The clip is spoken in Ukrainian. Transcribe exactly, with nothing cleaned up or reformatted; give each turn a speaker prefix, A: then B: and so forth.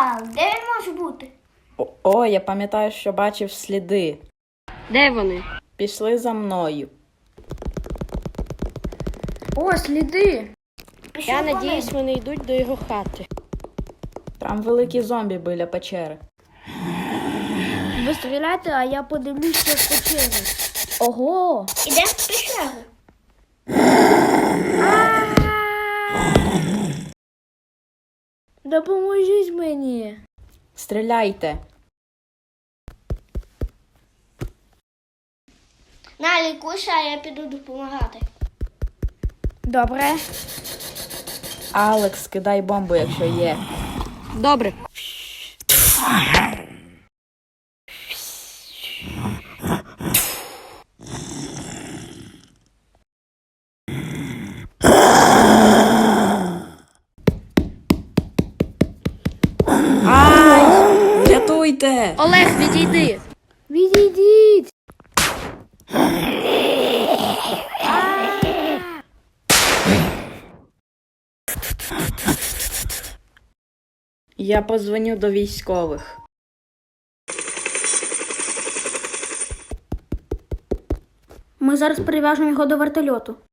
A: Так, де він може бути?
B: О, о, я пам'ятаю, що бачив сліди.
C: Де вони?
B: Пішли за мною.
D: О, сліди.
A: Пішли
C: Я
A: по
C: надіюсь,
A: них.
C: вони йдуть до його хати.
B: Там великі зомбі біля печери.
D: Ви стріляйте, а я подивлюся в печері. Ого!
A: Ідемо в пещеру.
D: Допоможіть мені.
B: Стріляйте.
A: На, лікуйся, а я піду допомагати.
D: Добре.
B: Алекс, кидай бомбу, якщо є.
C: Добре.
B: Ай! Рятуйте!
C: Олег, відійди!
D: Відійдіть.
B: Я позвоню до військових.
D: Ми зараз перев'яжемо його до вертольоту.